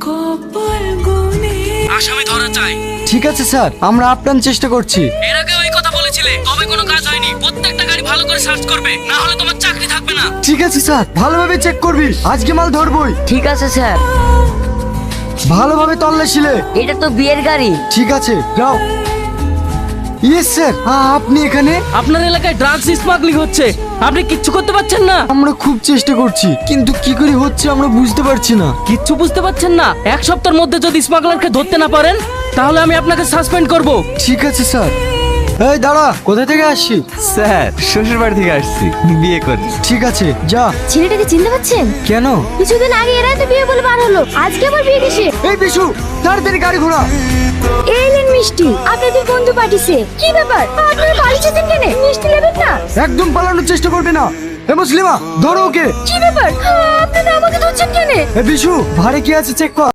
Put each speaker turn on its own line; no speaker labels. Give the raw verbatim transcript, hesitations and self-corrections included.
আসামি ধরা চাই।
ঠিক আছে স্যার, আমরা আপ্রাণ চেষ্টা করছি।
এর আগে ওই কথা বলেছিলে, তবে কোনো কাজ হয়নি। প্রত্যেকটা গাড়ি ভালো করে সার্চ করবে, না হলে তোমার চাকরি থাকবে না।
ঠিক আছে স্যার, ভালোভাবে চেক করবি, আজকে মাল ধরবই।
ঠিক আছে স্যার।
ভালোভাবে তল্লাশিলে।
এটা তো বিয়ের গাড়ি।
ঠিক আছে, যাও। ইয়েস স্যার, আপনি এখানে?
আপনার এলাকায় ড্রাগস স্মাগলিং হচ্ছে, আপনি কিচ্ছু করতে পারছেন না?
আমরা খুব চেষ্টা করছি, কিন্তু কি করে হচ্ছে আমরা বুঝতে পারছি না।
কিচ্ছু বুঝতে পারছেন না? এক সপ্তাহের মধ্যে যদি স্মাগলারকে ধরতে না পারেন, তাহলে আমি আপনাকে সাসপেন্ড করব।
ঠিক আছে স্যার। এই দাঁড়া, কোথা থেকে আসছিস?
স্যার শ্বশুর বাড়ি থেকে আসছি বিয়ে করে।
ঠিক আছে, যা।
ছেলেটাকে চিনতে পারছেন?
কেন?
কিছুদিন আগে এরাই তো বিয়ে বলে বার হলো, আজকে আবার বিয়ে কিসে?
এই বিশু, তাড়াতাড়ি গাড়ি ঘোরা।
এলেন মিষ্টি, আপনাদের বন্ধু পাঠিয়েছে। কি ব্যাপার, আপনারা বাড়ি যেতেন কেন? মিষ্টি নেবেন না?
একদম পালানোর চেষ্টা করবে না। এ মুসলিমা, ধরো ওকে।
কি ব্যাপার, আপনারা আমাকে ধরছেন কেন?
এ বিশু, ভারে কি আছে চেক কর।